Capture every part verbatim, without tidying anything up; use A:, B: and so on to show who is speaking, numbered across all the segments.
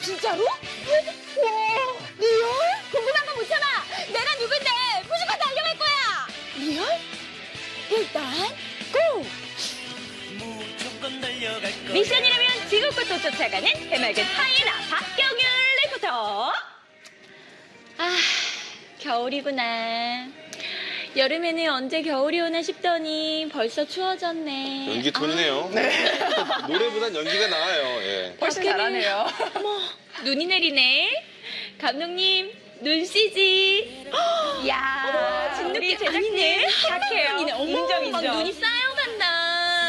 A: 진짜로? 와, 리얼? 궁금한 거 못 참아. 내가 누군데 무조건 달려갈 거야. 리얼? 일단 고! 미션이라면 지구꽃도 쫓아가는 해맑은 하이에나 박경윤 리포터. 아, 겨울이구나. 여름에는 언제 겨울이 오나 싶더니 벌써 추워졌네.
B: 연기 톤이네요.
A: 아.
B: 네. 노래보단 연기가 나아요. 예.
C: 훨씬 잘하네요.
A: 어머, 눈이 내리네. 감독님, 눈 씨지.
C: 야,
A: 진눈이
C: 제작진 착해요.
A: 어머,
C: 인정, 인정.
A: 막 눈이 쌓여간다.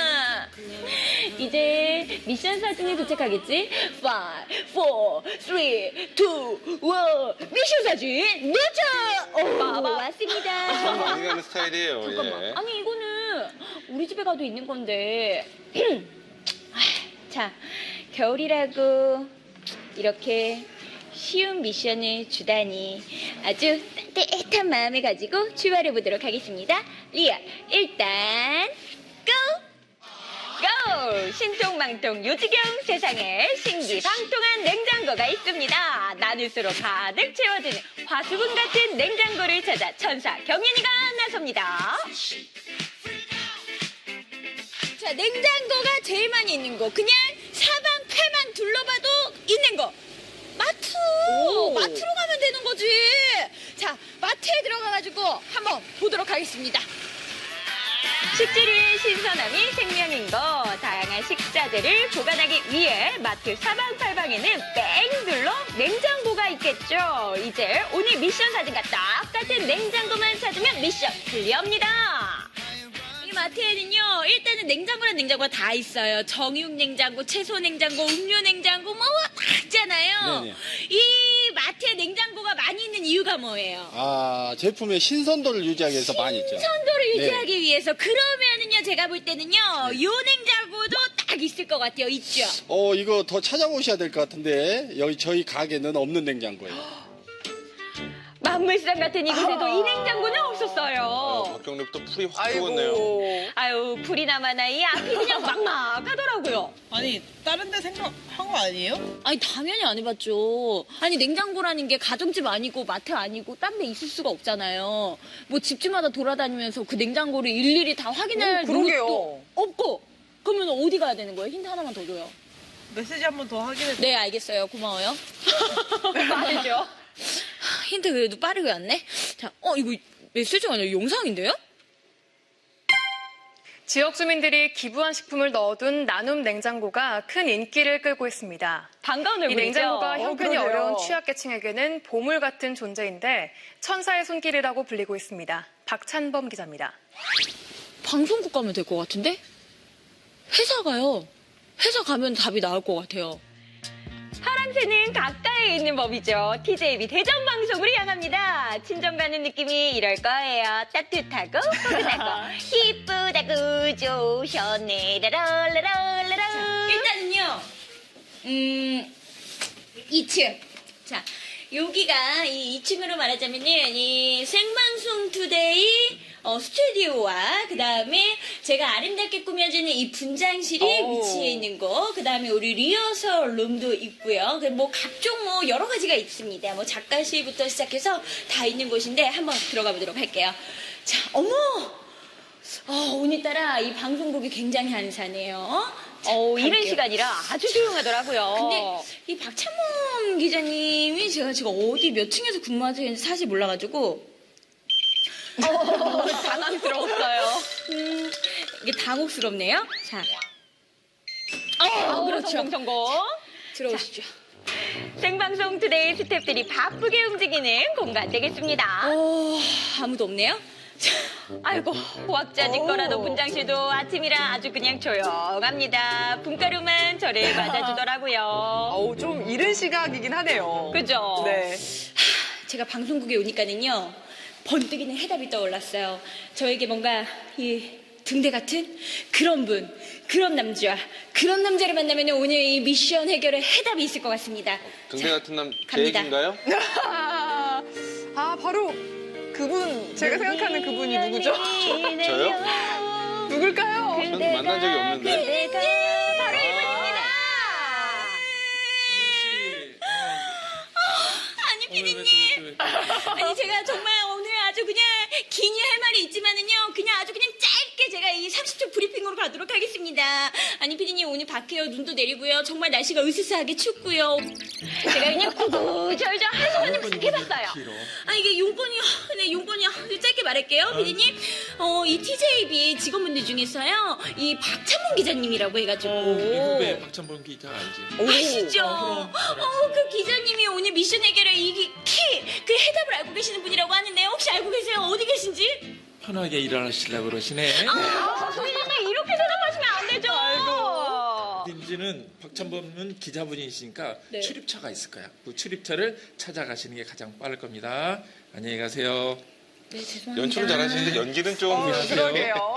A: 이제 미션 사진이 도착하겠지? five, four, three, two, one. 미션 사진 도착! 오,
C: 봐봐.
A: 왔습니다.
B: 참 많이 가는 스타일이에요.
A: 잠깐만.
B: 예.
A: 아니, 이거는 우리 집에 가도 있는 건데. 자, 겨울이라고 이렇게 쉬운 미션을 주다니 아주 따뜻한 마음을 가지고 출발해 보도록 하겠습니다. 리아, 일단 고! 고! 신통망통 요지경 세상에 신기방통한 냉장고가 있습니다. 나눌수록 가득 채워지는 화수분 같은 냉장고를 찾아 천사 경연이가 나섭니다. 자, 냉장고가 제일 많이 있는 곳. 그냥 사방팔방 둘러봐도 있는 거. 마트!
C: 오.
A: 마트로 가면 되는 거지. 자, 마트에 들어가가지고 한번 보도록 하겠습니다. 식재료의 신선함이 생명인 거. 다양한 식자재를 보관하기 위해 마트 사방팔방에는 뺑 둘러 냉장고가 있겠죠. 이제 오늘 미션 사진과 똑같은 냉장고만 찾으면 미션 클리어입니다. 이 마트에는요, 일단은 냉장고란 냉장고가 다 있어요. 정육 냉장고, 채소 냉장고, 음료 냉장고, 뭐 다 있잖아요.
D: 네네.
A: 이 마트에 냉장고가 많이 있는 이유가 뭐예요?
D: 아, 제품의 신선도를 유지하기 위해서 많이 있죠.
A: 선도를
D: 네.
A: 유지하기 위해서. 그러면은요, 제가 볼 때는요,
D: 네.
A: 요 냉장고도 딱 있을 것 같아요. 있죠?
D: 어, 이거 더 찾아보셔야 될 것 같은데 여기 저희 가게는 없는 냉장고예요.
A: 만물상 같은 이곳에도
C: 아.
A: 이 냉장고는
B: 아,
A: 없었어요.
B: 박경립도 풀이 확 들어갔네요.
C: 아이고.
A: 아유, 불이 나마나 이 앞이 그냥 막막하더라고요.
E: 아니 다른 데 생각한 거 아니에요?
A: 아니, 당연히 안 해봤죠. 아니, 냉장고라는 게 가정집 아니고 마트 아니고 딴 데 있을 수가 없잖아요. 뭐 집집마다 돌아다니면서 그 냉장고를 일일이 다 확인할
C: 오, 그러게요.
A: 노릇도 없고. 그러면 어디 가야 되는 거예요? 힌트 하나만 더 줘요.
E: 메시지 한 번 더 확인해.
A: 네, 알겠어요. 고마워요.
C: 빠르죠?
A: 힌트 그래도 빠르게 왔네. 자, 어, 이거 메시지가 아니라 영상인데요?
F: 지역 주민들이 기부한 식품을 넣어둔 나눔 냉장고가 큰 인기를 끌고 있습니다.
A: 반가운
F: 이
A: 얼굴이죠?
F: 냉장고가
C: 어,
F: 형편이
C: 그러게요.
F: 어려운 취약계층에게는 보물 같은 존재인데 천사의 손길이라고 불리고 있습니다. 박찬범 기자입니다.
A: 방송국 가면 될 것 같은데? 회사 가요. 회사 가면 답이 나올 것 같아요. 파랑새는 가까이에 있는 법이죠. 티제이비 대전 방송으로 향합니다. 친정 가는 느낌이 이럴 거예요. 따뜻하고 포근하고 이쁘다고 좋으셨네. 라라라라라. 일단은요. 음, 이 층. 자, 여기가 이 이 층으로 말하자면은 이 생방송 투데이 어, 스튜디오와 그 다음에 제가 아름답게 꾸며주는 이 분장실이
C: 오.
A: 위치해 있는 거, 그 다음에 우리 리허설 룸도 있고요. 그 뭐 각종 뭐 여러 가지가 있습니다. 뭐 작가실부터 시작해서 다 있는 곳인데 한번 들어가 보도록 할게요. 자, 어머! 어, 오늘따라 이 방송국이 굉장히 한산해요.
C: 어, 이른
A: 갈게요.
C: 시간이라 아주 조용하더라고요.
A: 근데 이 박찬범 기자님이 제가 지금 어디 몇 층에서 근무하시는지 사실 몰라가지고
C: 어, 당황스러웠어요.
A: 음, 이게 당혹스럽네요. 자,
C: 어,
A: 그렇죠.
C: 성공, 성공.
A: 들어오시죠.
C: 생방송 투데이 스태프들이 바쁘게 움직이는 공간 되겠습니다.
A: 어, 아무도 없네요.
C: 아이고, 호학자직
A: 오.
C: 거라도 분장실도 아침이라 아주 그냥 조용합니다. 분가루만 저를 맞아주더라고요.
G: 어우, 좀 이른 시각이긴 하네요.
C: 그죠?
G: 네.
A: 제가 방송국에 오니까는요, 번뜩이는 해답이 떠올랐어요. 저에게 뭔가 이 등대 같은 그런 분, 그런 남자, 그런 남자를 만나면 오늘 이 미션 해결의 해답이 있을 것 같습니다.
B: 등대 같은 남, 제
A: 갑니다.
B: 얘기인가요?
G: 아, 바로 그분, 제가 생각하는 그분이 누구죠?
B: 저요?
G: 누굴까요?
B: 전 만난 적이 없는데.
C: 그대가 바로 이분입니다. 아니 제가 정말 오늘 아주 그냥 긴이 할 말이 있지만은요 그냥 아주 그냥 짧게 제가 이 삼십 초 브리핑으로 가도록 하겠습니다. 아니 피디님 오늘 밖에요 눈도 내리고요 정말 날씨가 으스스하게 춥고요. 제가 그냥 구구절절 하소연을 싹 해봤어요. 아 이게 용건이요. 네 용건이요. 짧게 말할게요 피디님. 어 이 티제이비 직원분들 중에서요 이 박찬문 기자님이라고 해가지고.
H: 미국의 박찬범 기자 알지?
C: 아시죠? 어, 그 기자님이 오늘 미션 해결의 이 키, 그 해답을 알고 계시는 분이라고 하는데요. 혹시 알고 계세요? 어디 계신지?
H: 편하게 일하시려고 그러시네.
C: 아, 선생님 이렇게 대답하시면 안 되죠. 아이고.
H: 민지는 박찬범은 기자분이시니까
C: 네.
H: 출입처가 있을 거야. 그 출입처를 찾아가시는 게 가장 빠를 겁니다. 안녕히 가세요.
C: 네, 죄송합니다.
B: 연출을 잘하시는데 연기는 좀.
G: 어, 그러게요.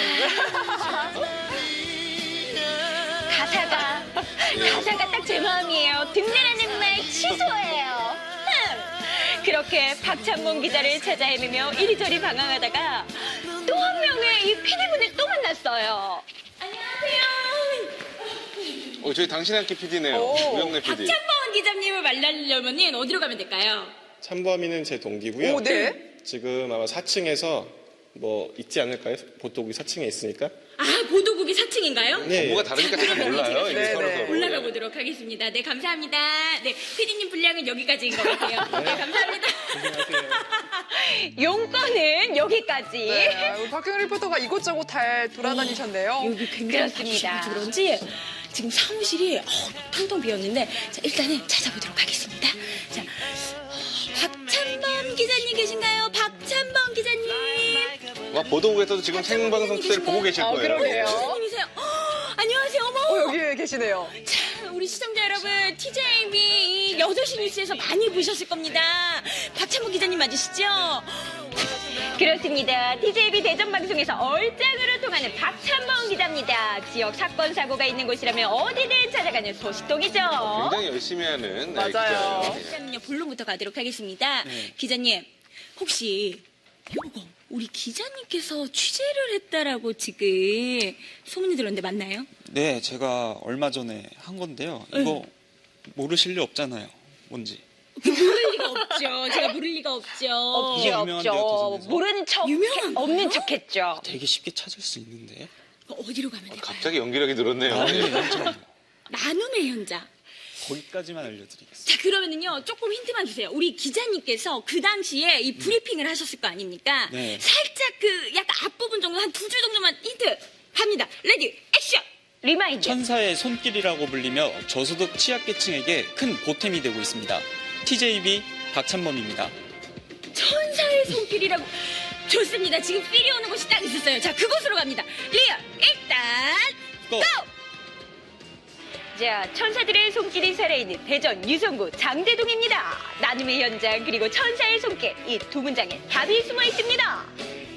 C: 가사가, 가사가 딱 제 마음이에요. 등내라는 말 취소해요. 흠. 그렇게 박찬문 기자를 찾아 헤매며 이리저리 방황하다가 또 한 명의 이 피디분을 또 만났어요. 안녕하세요.
B: 어, 저희 당신의 학기 피디네요.
G: 오,
B: 우영래 피디.
C: 박찬범 기자님을 만나려면 어디로 가면 될까요?
I: 참범이는 제 동기고요.
G: 오, 네.
I: 지금 아마 사 층에서 뭐 있지 않을까요? 보도국이 사 층에 있으니까.
C: 아, 보도국이 사 층인가요?
I: 네.
B: 뭐가 다르니까 잘 몰라요. 이게
G: 네,
B: 서로
G: 네.
B: 서로.
C: 올라가 보도록 하겠습니다. 네, 감사합니다. 네, 피디님 분량은 여기까지인 것 같아요. 네, 감사합니다. 용건은 여기까지.
G: 네, 우리 박경희 리포터가 이곳저곳 잘 돌아다니셨네요.
C: 여기 굉장히
A: 그렇습니다.
C: 바쁘셔서 그런지 지금 사무실이 어, 텅텅 비었는데 자, 일단은 찾아보도록 하겠습니다. 자, 어, 박찬범 기자님 계신가요? 박찬범 기자님.
B: 와, 보도국에서도 지금 생방송 투대를 보고 계실
G: 아,
B: 거예요.
G: 그러게요.
C: 기자님이세요? 어, 안녕하세요. 어머.
G: 어, 여기 계시네요.
C: 자, 우리 시청자 여러분, 티제이비 여덟 시 뉴스에서 많이 보셨을 겁니다. 박찬모 기자님 맞으시죠? 그렇습니다. 티제이비 대전 방송에서 얼짱으로 통하는 박찬범 기자입니다. 지역 사건 사고가 있는 곳이라면 어디든 찾아가는 소식통이죠.
B: 굉장히 열심히 하는 네,
G: 맞아요.
B: 기자예요.
C: 일단은요 본론부터 가도록 하겠습니다. 기자님, 혹시 요거 우리 기자님께서 취재를 했다라고 지금 소문이 들었는데 맞나요?
J: 네, 제가 얼마 전에 한 건데요. 이거 모르실 리 없잖아요. 뭔지.
C: 모를 리가 없죠. 제가 모를 리가 없죠.
J: 없죠, 유명한데요,
C: 없죠.
J: 대전에서?
C: 모르는 척,
A: 유명한 거요?
C: 없는 척했죠.
J: 되게 쉽게 찾을 수 있는데.
C: 어디로 가면
B: 아,
C: 될까요?
B: 갑자기 연기력이 늘었네요.
J: 나중에 연장
C: 나눔의 현장.
J: 거기까지만 알려드리겠습니다.
C: 자, 그러면은요, 조금 힌트만 주세요. 우리 기자님께서 그 당시에 이 브리핑을 하셨을 거 아닙니까?
J: 네.
C: 살짝 그 약간 앞부분 정도, 한 두 줄 정도만 힌트 갑니다. 레디, 액션! 리마인드.
J: 천사의 손길이라고 불리며 저소득 취약계층에게 큰 보탬이 되고 있습니다. 티제이비 박찬범입니다.
C: 천사의 손길이라고. 좋습니다. 지금 필이 오는 곳이 딱 있었어요. 자, 그곳으로 갑니다. 리얼, 일단,
J: 고!
C: 고! 자, 천사들의 손길이 살아있는 대전 유성구 장대동입니다. 나눔의 현장 그리고 천사의 손길 이 두 문장에 답이 숨어 있습니다.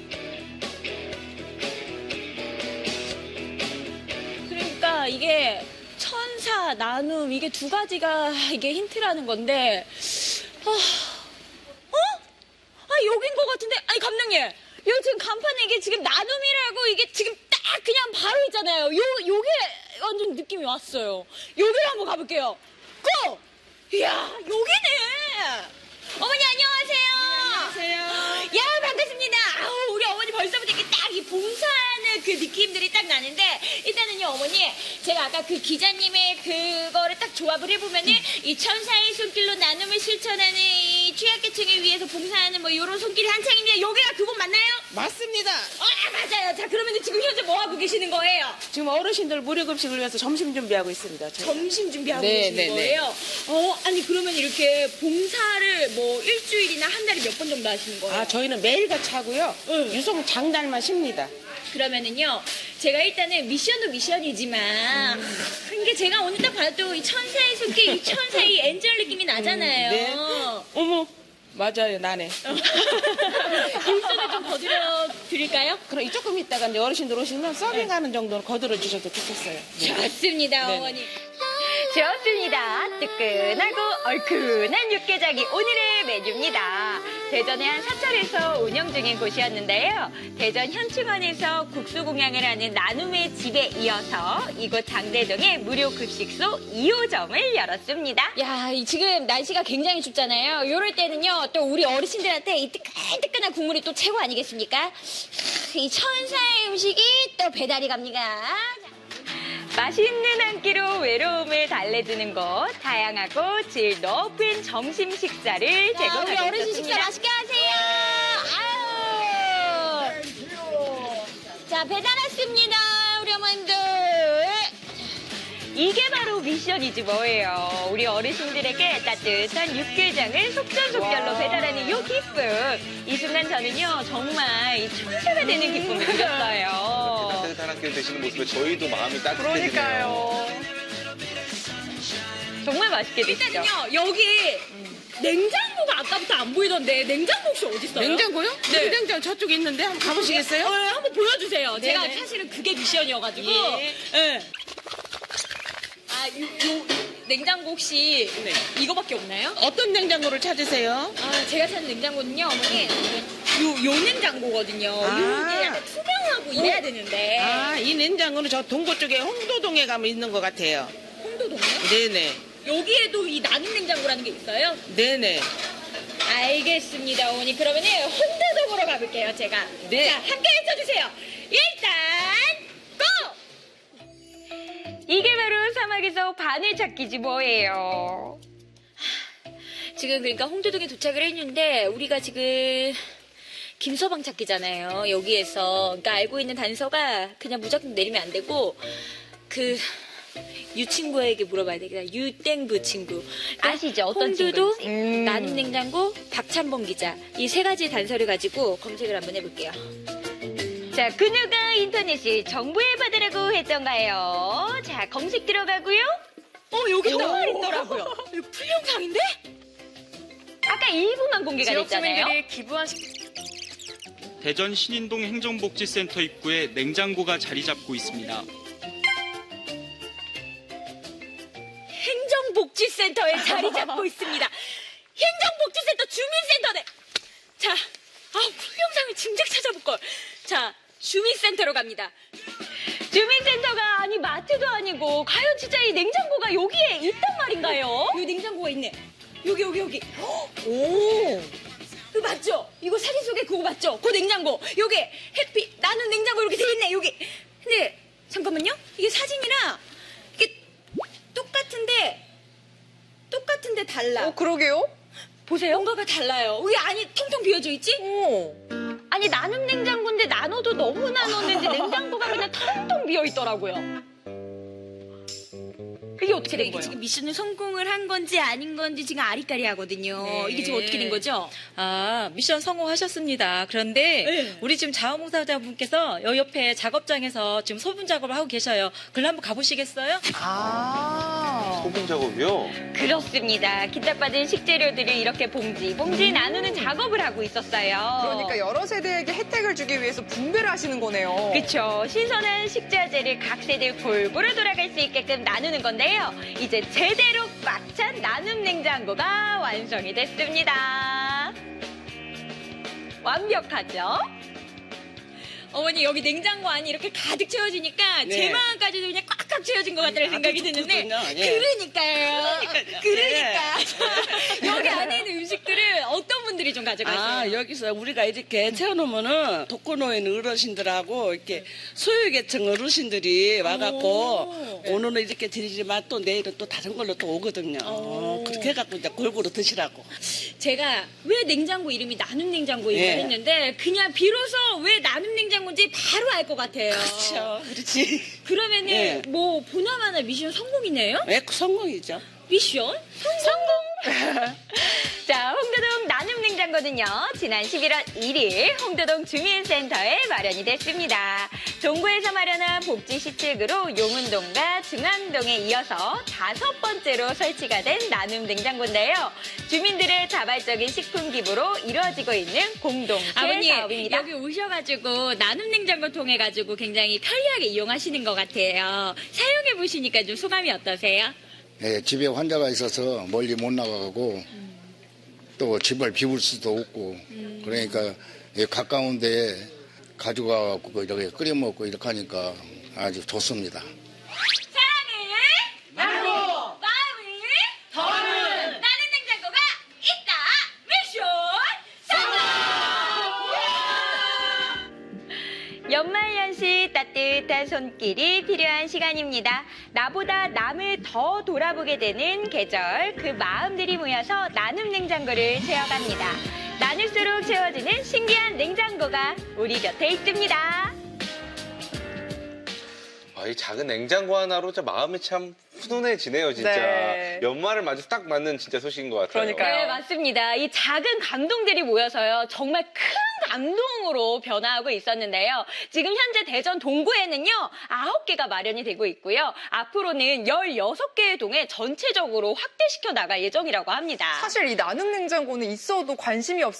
A: 그러니까 이게 천사, 나눔 이게 두 가지가 이게 힌트라는 건데 아, 어? 아 여긴 것 같은데 아니 감독님 여기 지금 간판에 이게 지금 나눔이라고 이게 지금 딱 그냥 바로 있잖아요. 요 요게 완전 느낌이 왔어요. 여기로 한번 가볼게요. 고! 이야 여기네. 어머니 안녕하세요. 안녕하세요. 야 반갑습니다. 아우 우리 어머니 벌써부터 이렇게 딱 이 봉사하는 그 느낌들이 딱 나는데 일단은요 어머니 제가 아까 그 기자님의 그거를 딱 조합을 해보면은 이 천사의 손길로 나눔을 실천하는 이 취약계층을 위해서 봉사하는 뭐 이런 손길이 한창인데 여기가 그곳 맞나요?
E: 맞습니다.
A: 아 맞아요. 자 그러면은 지금 현재 뭐 하고 계시는 거예요?
E: 지금 어르신들 무료급식을 위해서 점심 준비하고 있습니다. 저희.
A: 점심 준비하고
E: 네,
A: 계시는
E: 네, 네.
A: 거예요? 어 아니 그러면 이렇게 봉사를 뭐 일주일이나 한 달에 몇 번 정도 하시는 거예요?
E: 아, 저희는 매일같이 하고요.
A: 응.
E: 유성 장날만 쉽니다.
A: 그러면은요, 제가 일단은 미션도 미션이지만,
E: 음.
A: 이게 제가 오늘 딱 봐도 이 천사의 손길, 이 천사의 이 엔젤 느낌이 나잖아요.
E: 네. 어머, 맞아요, 나네.
A: 일선을 좀 거들어 드릴까요?
E: 그럼 이 조금 있다가 이제 어르신들 오시면 서빙하는 정도는 거들어 주셔도 좋겠어요.
A: 좋습니다,
E: 네.
A: 어머니.
C: 좋습니다. 뜨끈하고 얼큰한 육개장이 오늘의 메뉴입니다. 대전의 한 사찰에서 운영 중인 곳이었는데요. 대전 현충원에서 국수 공양을 하는 나눔의 집에 이어서 이곳 장대동에 무료 급식소 이 호점을 열었습니다. 야, 이 지금 날씨가 굉장히 춥잖아요. 이럴 때는요, 또 우리 어르신들한테 이 뜨끈뜨끈한 국물이 또 최고 아니겠습니까? 이 천사의 음식이 또 배달이 갑니다. 맛있는 한 끼로 외로움을 달래주는 곳, 다양하고 질 높은 점심 식사를 제공하고 있습니다. 우리 어르신 식사 맛있게 하세요. 아유. 자, 배달 왔습니다, 우리 어머님들. 이게 바로 미션이지 뭐예요. 우리 어르신들에게 따뜻한 육개장을 속전속결로 배달하는 이 기쁨. 이 순간 저는요, 정말 이 천사가 되는 기쁨을 느꼈어요.
B: 따뜻한 학교 되시는 모습에 저희도 마음이 따뜻해지네요.
G: 그러니까요.
C: 정말 맛있게 드시죠?
A: 일단은요, 여기 냉장고가 아까부터 안 보이던데 냉장고 혹시 어디 있어요?
E: 냉장고요?
A: 네.
E: 냉장고 저쪽에 있는데 한번 가보시겠어요?
A: 어, 한번 보여주세요.
E: 네네.
A: 제가 사실은 그게 미션이어가지고.
E: 예.
A: 네. 아, 요, 요 냉장고 혹시 이거밖에 없나요?
E: 어떤 냉장고를 찾으세요?
A: 아, 제가 찾은 냉장고는요, 어머니. 요, 요 냉장고거든요.
E: 아.
A: 요게 약간 투명하고 이래야 되는데.
E: 아, 이 냉장고는 저 동고 쪽에 홍도동에 가면 있는 것 같아요.
A: 홍도동이요?
E: 네네.
A: 여기에도 이 나눔 냉장고라는 게 있어요?
E: 네네.
A: 알겠습니다, 어머니. 그러면은 혼자적으로 가볼게요, 제가.
E: 네.
A: 자, 함께 외쳐주세요. 일단, 고!
C: 이게 바로 사막에서 바늘 찾기지 뭐예요.
A: 지금 그러니까 홍도동에 도착을 했는데 우리가 지금 김서방 찾기잖아요. 여기에서 그러니까 알고 있는 단서가 그냥 무작정 내리면 안 되고 그 유 친구에게 물어봐야 되겠다. 유땡부 친구. 그러니까
C: 아시죠? 어떤
A: 홍도동,
C: 친구인지.
G: 음.
A: 나눔 냉장고, 박찬범 기자. 이 세 가지 단서를 가지고 검색을 한번 해볼게요.
C: 자, 그 누가 인터넷을 정보에 받으라고 했던가요? 자, 검색 들어가고요.
A: 어, 여기 또 있더라고요. 이거 풀영상인데?
C: 아까 일부만 공개가
F: 지역
C: 됐잖아요.
F: 주민들이 기부한 식
J: 대전 신인동 행정복지센터 입구에 냉장고가 자리 잡고 있습니다.
A: 행정복지센터에 자리 잡고 있습니다. 행정복지센터 주민센터네. 자, 아, 풀영상을 진작 찾아볼걸. 자, 주민센터로 갑니다.
C: 주민센터가 아니 마트도 아니고 과연 진짜 이 냉장고가 여기에 있단 말인가요?
A: 여기 냉장고가 있네. 여기, 여기, 여기. 오. 이거 맞죠? 이거 사진 속에 그거 맞죠? 그 냉장고. 여기 해피 나는 냉장고 이렇게 돼 있네. 여기. 근데 잠깐만요. 이게 사진이랑 이게 똑같은데 똑같은데 달라.
G: 어, 그러게요?
A: 보세요. 뭔가가 달라요. 왜 안이 텅텅 비어져 있지?
G: 어.
C: 아니 나눔 냉장고인데 나눠도 너무 나눴는지 냉장고가 그냥 텅텅 비어 있더라고요. 이게 어떻게 된
A: 이게
C: 거예요?
A: 지금 미션을 성공을 한 건지 아닌 건지 지금 아리까리하거든요.
K: 네.
A: 이게 지금 어떻게 된 거죠?
K: 아, 미션 성공하셨습니다. 그런데
A: 네.
K: 우리 지금 자원봉사자분께서 여 옆에 작업장에서 지금 소분 작업을 하고 계셔요. 글로 한번 가보시겠어요?
G: 아.
B: 소금 작업이요?
C: 그렇습니다. 기탁받은 식재료들을 이렇게 봉지, 봉지 나누는 작업을 하고 있었어요.
G: 그러니까 여러 세대에게 혜택을 주기 위해서 분배를 하시는 거네요.
C: 그쵸. 신선한 식자재를 각 세대 골고루 돌아갈 수 있게끔 나누는 건데요. 이제 제대로 꽉 찬 나눔 냉장고가 완성이 됐습니다. 완벽하죠?
A: 어머니 여기 냉장고 안이 이렇게 가득 채워지니까
E: 네.
A: 제 마음까지도 그냥 꽉꽉 채워진 것 같다는
E: 아,
A: 생각이
E: 아주
A: 드는데
E: 좋거든요. 예.
A: 그러니까요. 그러니까
E: 네.
A: 여기 안에 있는 음식들을 어떤 분들이 좀 가져가세요?
E: 아, 여기서 우리가 이렇게 채워놓으면은 독거노인 어르신들하고 이렇게 소유계층 어르신들이 와갖고 오늘은 이렇게 드리지만 또 내일은 또 다른 걸로 또 오거든요. 어, 그렇게 해갖고 이제 골고루 드시라고.
A: 제가 왜 냉장고 이름이 나눔 냉장고인가
E: 예.
A: 했는데 그냥 비로소 왜 나눔 냉장고인지 바로 알 것 같아요.
E: 그렇죠. 그렇지.
A: 그러면은
E: 예.
A: 뭐 보나마나 미션 성공이네요?
E: 네, 성공이죠.
A: 미션?
C: 성공! 자, 홍도동 나눔 냉장고는요, 지난 십일월 일일 홍도동 주민센터에 마련이 됐습니다. 동구에서 마련한 복지 시책으로 용운동과 중앙동에 이어서 다섯 번째로 설치가 된 나눔 냉장고인데요. 주민들의 자발적인 식품 기부로 이루어지고 있는 공동체
A: 아버님
C: 사업입니다.
A: 여기 오셔가지고 나눔 냉장고 통해 가지고 굉장히 편리하게 이용하시는 것 같아요. 사용해 보시니까 좀 소감이 어떠세요?
L: 네, 집에 환자가 있어서 멀리 못 나가고 또 집을 비울 수도 없고 그러니까 이 가까운 데에 가져가고 이렇게 끓여 먹고 이렇게 하니까 아주 좋습니다.
C: 사랑을 나누고 마음을 더하는 나는 냉장고가 있다. 미션 성공!
A: 연말연시 따뜻한 손길이 필요한 시간입니다. 나보다 남을 더 돌아보게 되는 계절, 그 마음들이 모여서 나눔 냉장고를 채워갑니다. 나눌수록 채워지는 신기한 냉장고가 우리 곁에 있습니다.
B: 아, 이 작은 냉장고 하나로 진짜 마음이 참 훈훈해지네요, 진짜.
G: 네.
B: 연말을 맞아서 딱 맞는 진짜 소식인 것 같아요.
G: 그러니까요.
A: 네, 맞습니다. 이 작은 감동들이 모여서요, 정말 큰 감동으로 변화하고 있었는데요. 지금 현재 대전 동구에는요, 아홉 개가 마련이 되고 있고요. 앞으로는 열여섯 개의 동에 전체적으로 확대시켜 나갈 예정이라고 합니다.
G: 사실 이 나눔 냉장고는 있어도 관심이 없